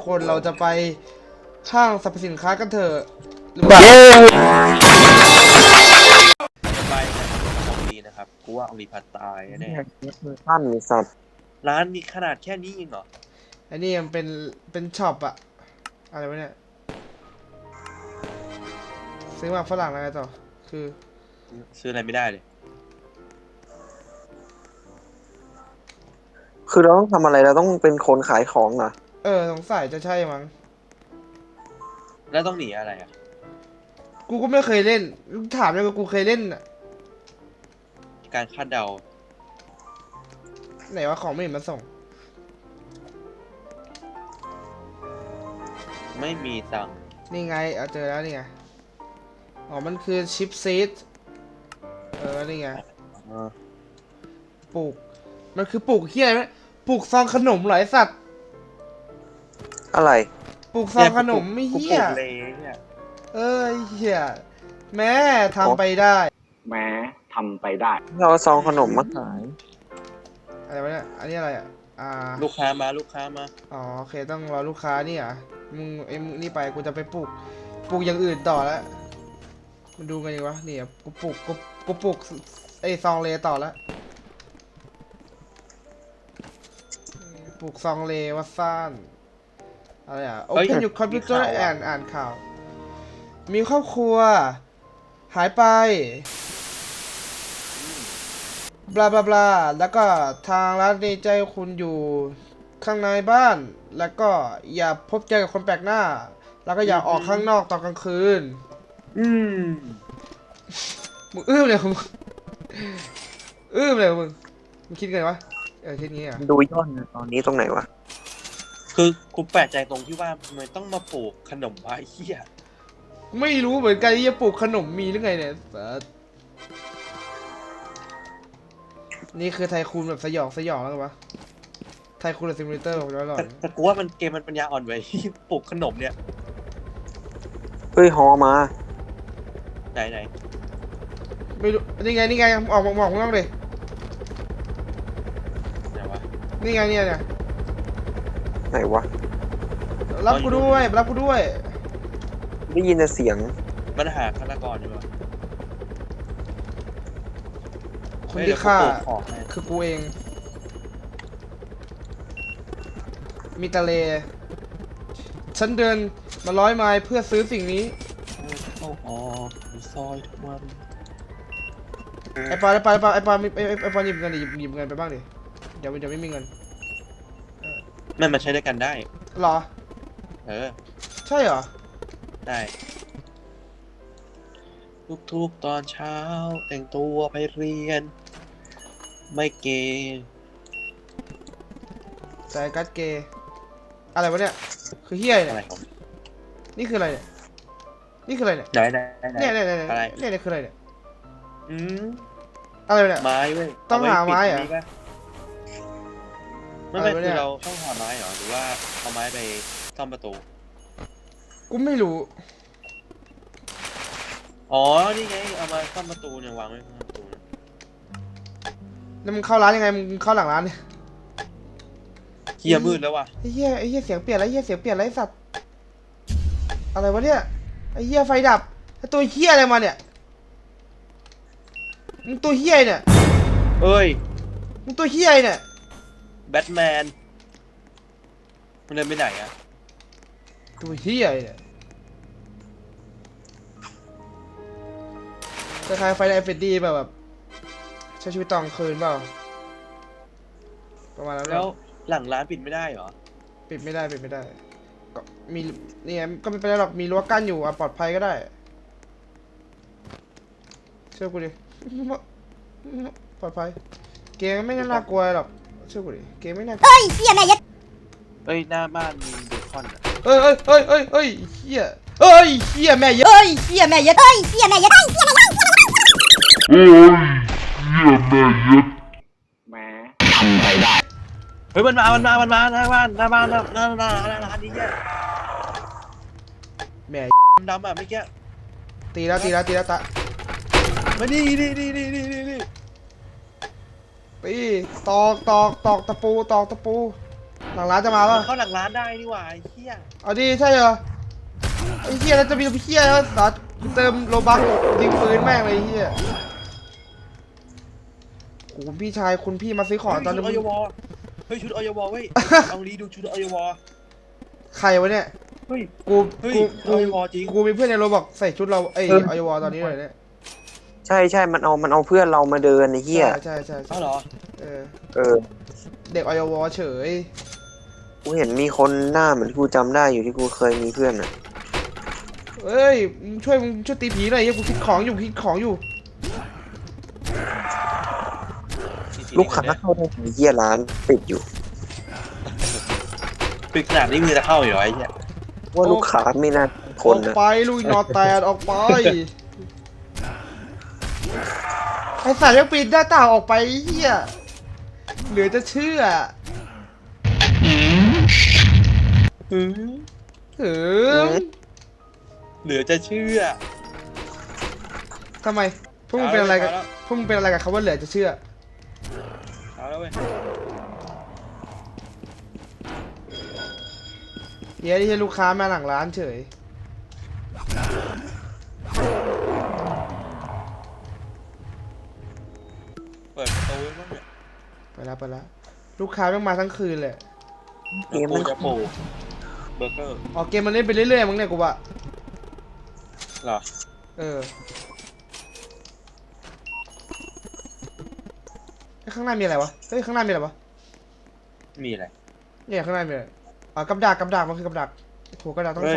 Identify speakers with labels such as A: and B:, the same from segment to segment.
A: คนเราจะไปห้างสรรพสินค้ากันเถอะหรือเปล่า
B: ไปของดีนะครับกูว่าเอารีพัตตายแน่
C: ท่านสัตว์
B: ร้านมีขนาดแค่นี้เองเหรอ
A: อันนี้มันเป็นช็อปอะอะไรวะเนี่ยซื้อมาฝรั่งอะไรต่อคือ
B: ซื้ออะไรไม่ได้เลย
C: คือเราต้องทำอะไรเราต้องเป็นคนขายของเหรอ
A: สงสัยจะใช่มั้ง
B: แล้วต้องหนีอะไรอ่ะ
A: กูก็ไม่เคยเล่นถามเลยว่ากูเคยเล่นอะ
B: การคาดเดา
A: ไหนว่าของไม่เห็นมาส่ง
B: ไม่มีตังค์
A: นี่ไงเอาเจอแล้วนี่ไงอ๋อมันคือชิปซีดนี่ไงปลูกมันคือปลูกเฮียอะไรปลูกซองขนมเหรอไอสัตว์
C: อะไร
A: ปลูกซองขนมไม่เฮียเฮียแม่ทำไปได้
C: เราซองขนมมาขาย
A: อะไรวะเนี่ยอันนี้อะไร
B: ลูกค้ามา
A: อ๋อโอเคต้องรอลูกค้านี่อ่ะมึงนี่ไปกูจะไปปลูกอย่างอื่นต่อแล้วมันดูกันยังวะนี่กูปลูกไอซองเลต่อแล้วปลูกซองเลวัดซ่านอะไรOpen your computer อ่านข่าวมีครอบครัวหายไปบลาบลาบลาแล้วก็ทางร้านในใจคุณอยู่ข้างในบ้านแล้วก็อย่าพบเจอกับคนแปลกหน้าแล้วก็อย่าออกข้างนอกตอนกลางคืนมึงเลยมึงเลยมึงคิดไงวะคิดงี้อ่ะ
C: ดูย้อนตอนนี้ตรงไหนวะ
B: คือกูแปลกใจตรงที่ว่าทำไมต้องมาปลูกขนมวะไอ้เหี้ย
A: ไม่รู้เหมือนกันที่จะปลูกขนมมีหรือไงเนี่ยนี่คือไทคูนแบบสยองแล้วกันวะไทคูนซิมูเลเตอร์ของเราหรอ
B: แต่กูว่ามันเกมมันปัญญาอ่อนไว้ที่ปลูกขนมเนี่ย
C: เฮ้ยฮอมา
B: ไหน
A: ไม่รู้นี่ไงออกมองข้างนอกเลย
B: ไหนวะ
A: นี่ไงเนี่ย
C: ไหนวะ
A: รับกูด้วย
C: ได้ยินแต่เสียง
B: มันหาฆาตกรอยู่ปะ
A: คนที่ฆ่าคือกูเองมีตะเลฉันเดินมา100 ไมล์เพื่อซื้อสิ่งนี้
B: เข้าออกซอยทุกวัน
A: ไอปอนหยิบเงินไปบ้างดิเดี๋ยวไม่มีเงิน
B: มันใช้ด้วยกันได้
A: หรอใช่เหรอ
B: ได้ทุกตอนเช้าแต่งตัวไปเรียนไม่เกย์
A: ใส่กัดเกย์อะไรวะเนี่ยคือเฮียเนี่ยนี่คืออะไรเนี่ยนี่คืออะไรเนี่ยเนี่ยคืออะไรเนี่ยอะไรเนี่ย
B: ไม้เว้ย
A: ต้องหาไม้เหรอ
B: ไม่คือเราต้องหาไม้เหรอหรือว่าเอาไม้ไปซ่อมประตู
A: กูไม่รู้
B: อ๋อนี่ไงเอามาซ่อมประตูเนี่ยวางไว้ข้างประตู
A: แล้วมึงเข้าร้านยังไงมึงเข้าหลังร้านเนี่ย
B: เฮียมืดแล้วว่ะ
A: ไอ้เฮียเสียงเปลี่ยนแล้วไอ้สัตว์อะไรวะเนี่ยไอ้เฮียไฟดับไอ้ตัวเฮียอะไรมาเนี่ยมึงตัวเฮียเนี่ย
B: เอ้ย
A: มึงตัวเฮียเนี่ย
B: แบทแมนมันเดินไปไหนอะ
A: ตัวเฮียเนี่ยจะคล้ายไฟไอเฟดดี้แบบใช้ชีวิตตอนคืนเปล่าประมาณนั้น
B: แล้วหลังร้านปิดไม่ได้เหรอ
A: ปิดไม่ได้ก็มีนี่ไงก็ไม่เป็นไรหรอกมีรั้วกั้นอยู่ปลอดภัยก็ได้เชื่อกูดิปลอดภัยเกมไม่น่ากลัวหรอกเชื่อกูดิเกมไม่น่ากลัว
D: เฮียแม่ยัด
B: หน้าบ้านมีเบคอน
A: เฮียเฮียแม่ยัด
D: เฮียแม่ยัด
C: แหมทำไปได้
B: เฮ้ยมันมาหน้าบ้านหน้าร้านนี้เนี่ย
A: แม่
B: ดำอ่ะเมื่อกี้
A: ตีแล้วตะ
B: มานี่
A: ตีตอกตะปูหลังร้านจะมาปะ
B: เข้าหลังร้านได้นี่หว่าไอ้เหี้ย
A: เอาดิใช่เหรอไอ้เหี้ยแล้วจะมีเหี้ยแล้วสัตว์เติมโลบัคยิงปืนแม่งเลยไอ้เหี้ยโอ้โหพี่ชายคุณพี่มาซื้อของตอน
B: ชุ
A: นี้
B: ดอยวเฮ้ยชุดอยวเว้ยเอาลีดูชุดอยว
A: ใครวะเนี่ย
B: เฮ้ย
A: กู
B: เฮ้ย
A: กู
B: อยวจริง
A: กูมีเพื่อนในโรบอกใส่ชุดเราไอ้ออยวตอนนี้เลยเนี่ย
C: ใช่มันเอาเพื่อนเรามาเดินไอ้เหี้ย
A: ใช่
B: อ้าวเหรอ
A: เออ
C: เออ
A: เด็กออยวเฉย
C: กูเห็นมีคนหน้าเหมือนกูจำได้อยู่ที่กูเคยมีเพื่อนอ่ะ
A: เอ้ยมึงช่วยตีผีหน่อยเหี้ยกูคิดของอยู่
C: ลูกค้าเข้าได้ไอ้เหี้ยร้านปิดอยู่
B: ปิดขนาดนี้มือจะเข้าอยู่เหรอไอ้เหี้ย
C: ว่าลูกค้าไม่น่าท
A: อน อก
C: นะ
A: ไปลุยนอแตนออกไปไอสัตว์ยังปีนหน้าต่างออกไปไอ้เหี้ยเหลือจะเชื่อ
B: หืม
A: ถึง
B: เหลือจะเชื่อ
A: ทำไมพวกมึงเป็นอะไรกันพวกมึงเป็นอะไรกับเขาว่าเหลือจะเชื่อ
B: เอาแล้วเว้ย
A: เฮียที่ลูกค้ามาหลังร้านเฉย
B: เปิดประตูไว้บ้างเนี่ย
A: ไปแล้วลูกค้าไม่มาทั้งคืนเลย
C: เกมมัน
B: จะโผล่เบอร์เกอร์
A: ออกเกมมันเล่นไปเรื่อยๆมั้งเนี่ยกูว่า
B: เหรอ
A: เออข้างหน้ามีอะไรวะเฮ้ยข้างหน้ามีอะไรวะ
B: มีอะไร
A: เนี่ยข้างหน้ามีอะไรกับดักมันคือกับดักโหกับดักต้อง
B: เฮ้ย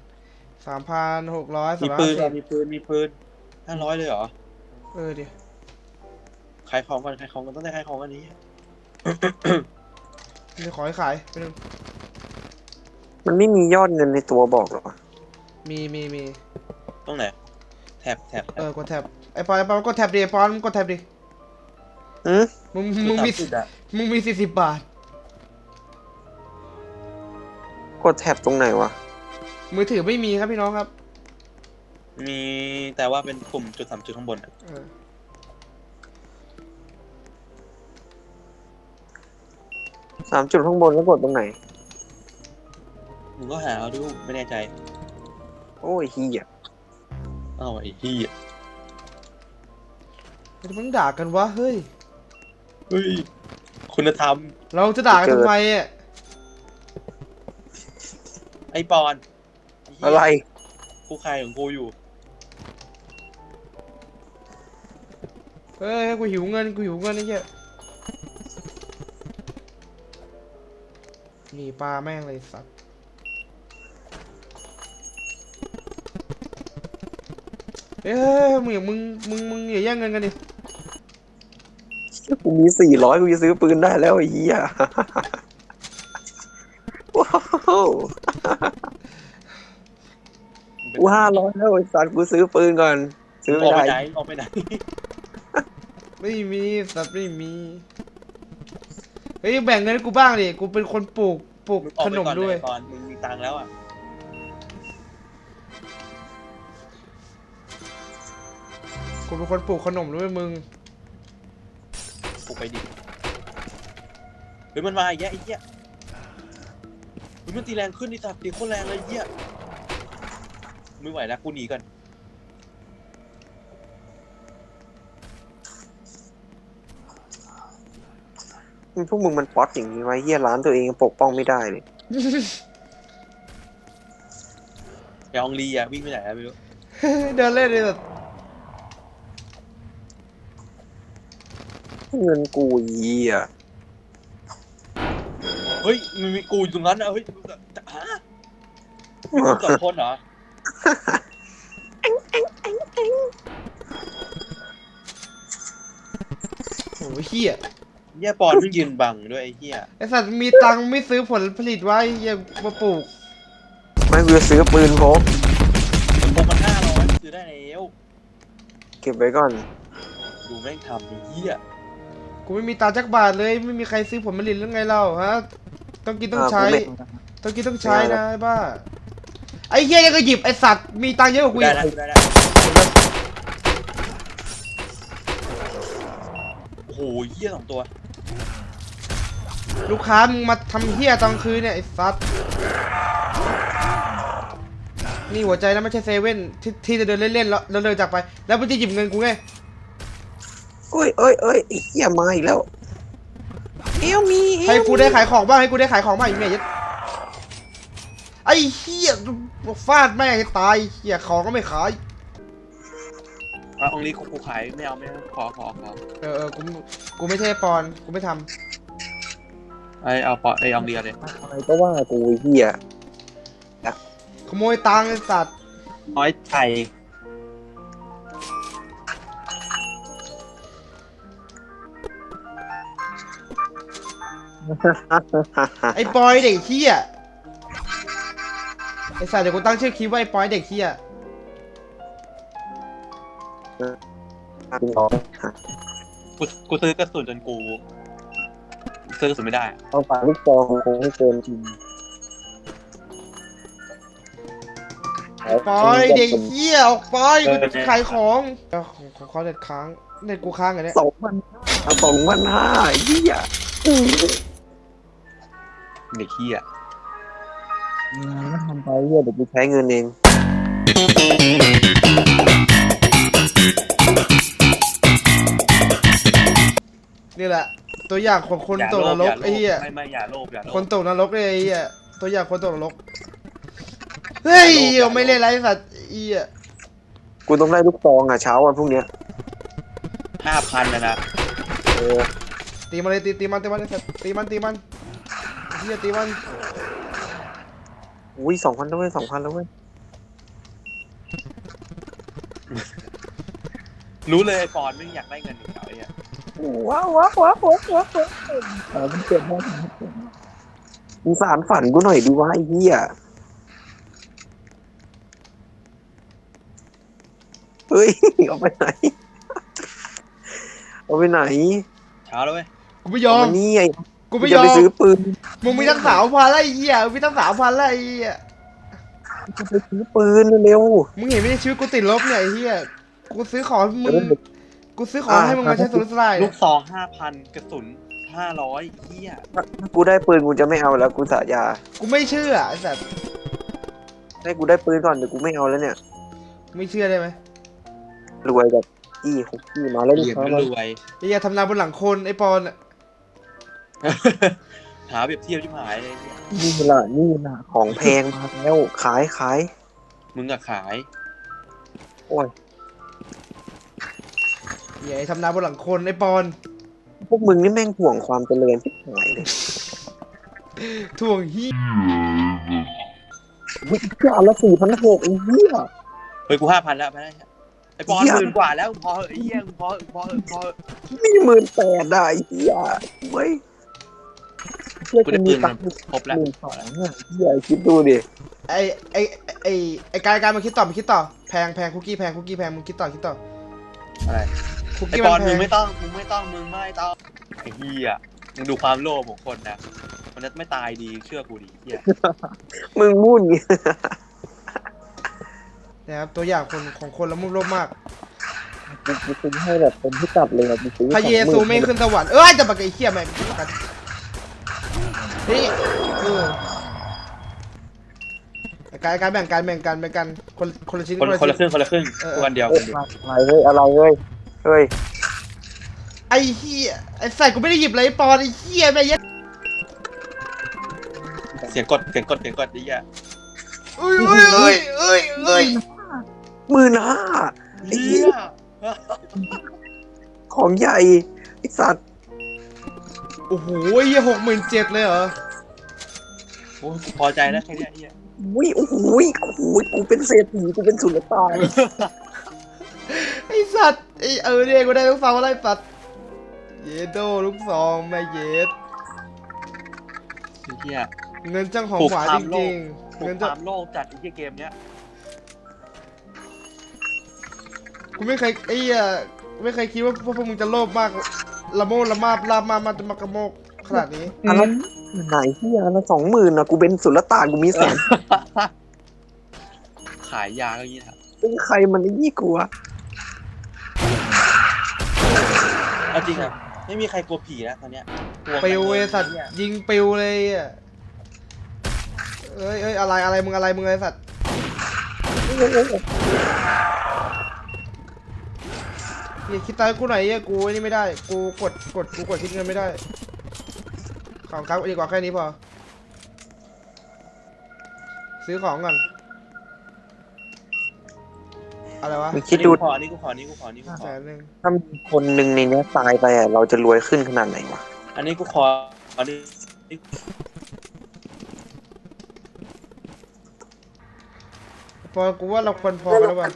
A: 3,600
B: มีปืนเหรอมีปืน500เลยเหรอ
A: เออดิ
B: ขายของกันต้องได้ขายของอันนี้
A: มีขอให้ขายไปนึง
C: มันไม่มียอดเงินในตัวบอกหรอ
A: มี
B: ตรงไหนแท็บ
A: กดแท็บไอ้ปอนกดแท็บดิปอนกดแท็บดิ
C: อืม
A: มึงมี40 บาท
C: กดแท็บตรงไหนวะ
A: มือถือไม่มีครับพี่น้องครับ
B: มีแต่ว่าเป็นปุ่มจุด3จุดข้างบนอะ
A: เออ
C: 3 จุดข้างบนแล้วกดตรงไหน
B: มึงก็หาเอาดูไม่แน่ใจ
C: โอ้ยเหี้ย
B: อ้าวไอ้เหี้ย
A: ไม่ต้องด่ากันวะเฮ้ย
B: เฮ้ยคุณธรรม
A: เราจะด่ากันทำไมอ่ะ
B: ไอ้ปอนเหี้ย
C: อะไร
B: กูใครของกูอยู่
A: เฮ้ยกูหิวเงินไอ้เหี้ยนี่ปลาแม่งเลยสัตว์เอ้ยมึงอย่าแย่งเงินกันดิ
C: กูมี400กูจะซื้อปืนได้แล้วไอ้เหี้ยว้าวกู500แล้วไอ้สัตว์กูซื้อปืนก่อนซื้อ
B: อ
C: ไม่
B: อกไป
C: ได้
B: ไหนออกไปไหน
A: ไม่มีสัตว์ไม่มีเฮ้ยแบ่งเงินให้กูบ้างดิกูเป็นคนปลูก
B: มึงออก
A: ข
B: ไป
A: นม
B: ก่อน
A: ด้วย
B: เลยก่อนมึงมีตังค์แล้วอ่ะ
A: กูเป็นคนปลูกขนมด้วยมึง
B: กูไปดิเฮ้ยมันมาอีกแยะไอ้เหี้ยเฮ้ยมันตีแรงขึ้นดิสัตว์ตีโคตรแรงเลยไอ้เหี้ยไม่ไหวแล้วกูหนีก่อน
C: พวกมึงมันป๊อตอย่างนี้ไว้เหี้ยร้านตัวเองยังปกป้องไม่ได้เลย
B: ยองลีอ่ะวิ่งไปไหนอะไม่รู้
A: เดินเล่นเลยแบบ
C: เงินกูเหี้ย
B: เฮ้ยมันมีกูอยู่ตรงนั้นอ่ะเฮ้ยฮะมีกู2 คนเหรอ
A: โอ้ยเหี้ย
B: เหี้ยปอนมันยืนบังด้วยไอ้เหี้ย
A: ไอสัตว์มีตังค์ไม่ซื้อผลผลิตไว้เหี้ยมาปลูก
C: ไม่กูจะซื้อปืนพก
B: มันพกมัน500ซื้อได้แล้ว
C: เก็บไว้ก่อน
B: ดูแม่งทำไอ้เหี้ย
A: กูไม่มีตังค์จักบาทเลยไม่มีใครซื้อผลผลิตหรือไงเล่าฮะต้องกินต้องใช้
C: กูไม่
A: ต้องใช้นะไอ้บ้าไอ้เหี้ยยังก็หยิบไอสัตว์มีตังค์เยอะกว่ากู
B: ได้
A: อีก
B: แล้วโอ้โหเหี้ย2 ตัว
A: ลูกค้ามึงมาทำเฮี้ยตอนคืนเนี่ยไอ้สัสนี่หัวใจนะไม่ใช่เซเว่นที่จะเดินเล่นๆแล้วเดินจากไป แล้วมันจะหยิบเงินกูไง
C: โอ้ยไอ้เหี้ยมาอีกแล้วเอลมี
A: ให้กูได้ขายของบ้างให้กูได้ขายของบ้างไอ้เมียยัดไอ้เฮี้ยฟาดแม่งให้ตายเฮี้ยของก็ไม่ขาย
B: องค์นี้กูขายไม่เอาขอ
A: กูไม่ใช่ปอนกูไม่ท
B: เอาปอไอองเดียวเลย
C: อะไรก็ว่ากูไอ้เหี้ย
A: ำขโมยตังค์ไอ้สัตว์
B: น้อยไก่
A: ไอ้ปอยเด็กเฮี้ยไอ้สัตว์เดี๋ยวกูตั้งชื่อคลิปว่าไอ้ปอยเด็กเฮี้ย
B: กูซื้อกระสุนจนกูซื้อกระสุนไม่ได้
C: เอาฝาลูกซองคงไม่เกินจริง
A: ปอยเด็กเฮี้ยออกไปกูจะขายของของเขาเน็ตค้างเน็ตกูค้างไงเนี่ย
C: 2,500ไอ้เหี้ย
B: เด็กเหี้ย
C: ไม่ทำไปเหี้ยเดี๋ยวกูใช้เงินเอง
A: นี่แหละ ตัวอย่างของคนตกนรกไอ้เหี้ย
B: ไม่อย่าโลภ
A: คนตกนรกเลยไอ้เหี้ยตัวอย่างคนตกนรกเฮ้ยไม่เล่นไรสัตว์ไอ้เหี้ย
C: กูต้องได้ลูกซองอ่ะเช้าวันพรุ่งเนี้ย
B: 5,000นะ
C: เออ
A: ตีมันเลยตีมันไอ้สัตว์ตีมันไอ้เหี้ยตีมัน
C: อุ้ย2,000แล้วเว้ย2,000แล้วเว้ย
B: รู้เลยปอนไม่อยากได้เงินอีกแล้วไอ้เนี่ย
C: ว้าวมันเกิดได้มึงสารฝันกูหน่อยดิวะไอ้เหี้ยเฮ้ยเอาไปไหนเอาไปไหน
B: เช้าแล้วเว้ย
A: กูไม่ยอม
C: เาานี่ไอ้
A: กูไม่ย
C: จะ
A: อ
C: ไป
A: ม
C: ซื้อปืน
A: มึงมีทั้ง3,000แล้วไอ้เหี้ยมึงมีทั้ง3,000แล้วไอ้เหี้ย
C: จะไปซื้อปืนเร็ว
A: มึงเห็นไหมชีวิตกูติดลบเนี่ยไอ้เหี้ยกูซื้อของให้มึงกูซื้อของให้มึงมาใช้สุรุ่ยสุร่าย
B: ลูกซอง 5,000 กระสุน 500เหี้ย
C: กูได้ปืนกูจะไม่เอาแล้วกูสายา
A: กูไม่เชื่อไอ้สัตว์
C: ให้กูได้ปืนก่อนเดี๋ยวกูไม่เอาแล้วเนี่ย
A: ไม่เชื่อได้ไหม
C: รวยแบบอี้ของพี่มาแล้ว
B: เห
C: ลู
B: รี
C: ก
B: ยญ
C: ค้า
B: ไม่
C: มาร
B: วย
A: ไอ้เหี้ยทำนาบนหลังคนไอ้ปอนอะ
B: หาเปรียบเทียบที่หายเลยเนี่ย
C: นี่ล่ะของแพงมาแล้วขาย
B: มึงอะขาย
C: โอ้ย
A: เหี้ยไอ้ทำนาบนหลังคนไอ้ปอน
C: พวกมึงนี่แม่งห่วงความเจริญที่หายเลย
A: ถ่วงเหี้ย
C: วิ่งเพื่ออันละ4,600ไอ้เหี้ย
B: เฮ้ยกู 5,000แล้วไปได้ไอ้ปอน
C: เหี้ย
B: 10,000 กว่าแล้วพอเหอะไอ้เหี้ยพอเหอะ
C: นี่18,000ได้ไอ้เหี้ยเว้ยเชื่อ
B: กู
C: กู
B: ได้
C: มี
B: ปืน
C: ตั
B: มาง
C: ค์
B: ครบแล้ว
C: 12,000อ่ะเหี้ยคิดดูดิ
A: ไอ้การมันคิดต่อแพงคุกกี้แพงมึงคิดต่อ
B: อะไร
A: คุก
B: ไอ้
A: กี้
B: ป
A: มั
B: อน
A: นแพ
B: มึ
A: ง
B: งไม่ต้องไอ้เหี้ยมึงดูความโลภของคนนะมันจะไม่ตายดีเชื่อกูดิเหี้ย
C: มึงมุ่นไง
A: นะครับตัวอย่างของคนละมุกโลภมาก
C: กูซื้อให้แบบเป็นที่กลับเลยอะกูซื้อ
A: พระเยซูไม่ขึ้นสวรรค์จะปากไอ้เหี้ยแม่งกันนี่การแบ่งกันคนละชิ้น
B: คนละครึ่งวันเดียว
C: อะไรเว้ยเฮ้ย
A: ไอ้เหี้ยไอ้ใส่กูไม่ได้หยิบเลยไอ้ปอนไอ้เหี้ยแม่ยัด
B: เสียงกดไอ้เหี้ย
A: เอ้ย
C: 15,000ไอ้เหี้ยของใหญ่ไอ้สัตว์
A: โอ้โหเหี้ย67,000เลยเหรอ
B: โอ้พอใจแล้วแค่เนี้ยเหี้ย
C: โอ้โหกูเป็นเศรษฐีกูเป็นสุลต่าน
A: ไอ้สัตว์เนี่ยกูได้ลูกซองอะไรสัตว์เยโดลูกซองแม่เยด
B: เหี้ย
A: เงินจังของหวานจริงๆ
B: ปลุ
A: เงิ
B: ก
A: น
B: ค
A: จัง
B: วามโลภจัดไอ้เหี้ยเกมเนี้ย
A: กูไม่เคยไม่เคยคิดว่าพวกมึงจะโลภมากละโมบละมาบลาบมาจะมากระโมกขนาดนี้
C: อันละไหนที่อันละ20,000นะกูเป็นสุลต่านกูมีแสน
B: ขายยาก็อย่างงี้ครับ
C: เป็นใครมันไอ้ยี่กูวะ
B: เอาจริงอ่ะไม่มีใครกลัวผีแล้วตอนเนี้ยกลัว
A: ปิว
B: มัน
A: ไอ้
B: เลย
A: สัตว์
B: เนี่ย
A: ยิงปิวเลยอ่ะเอ้ยอะไรมึงไอ้สัตว์เฮียคิดตายกูหน่อยเฮียกูไอ้นี่ไม่ได้กูกดคิดเงินไม่ได้ของครับดีกว่าแค่นี้พอซื้อของก่อนอะไรวะ
C: มึงคิดดู
B: อันนี้กูขอ
A: 100,000
C: ถ้ามีคนหนึ่งในเนี้ยตายไปอ่ะเราจะรวยขึ้นขนาดไหนวะ
B: อันนี้กูขออันนี้
A: พอกูว่าเราควรพอกันแล้วป่ะ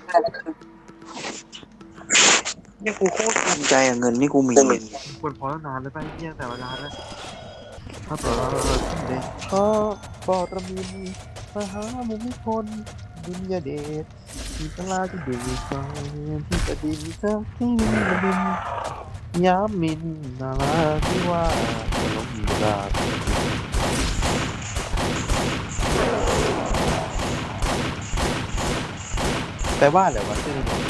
C: เนี่ยกูโคตรภูมิใจอ่ะเงินนี่กูมี
D: ควรพอแล้วนานแล้วไปเที่ยแต่เวลาแล้วถ้าต่อเด็กขอปอตรมินมหามุมิพลบุญญาเดชที่ตลาจะดูฟังที่ประดินเจ้าที่มินย้ำมินนาลาที่ว่าจะลงเวลาแต่ว่าอะไรวะชื่อนี้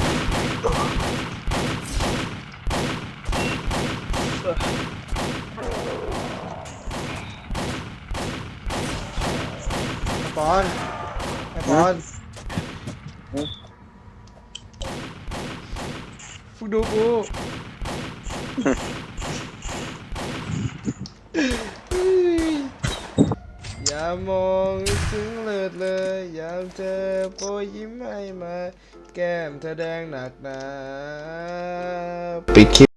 A: ไอ้ปอนฝึกดูกูอย่ามองถึงเลิศเลยอยากเจอโปรยยิ้มให้มาแก้มเธอแดงหนักหนาปิดคลิป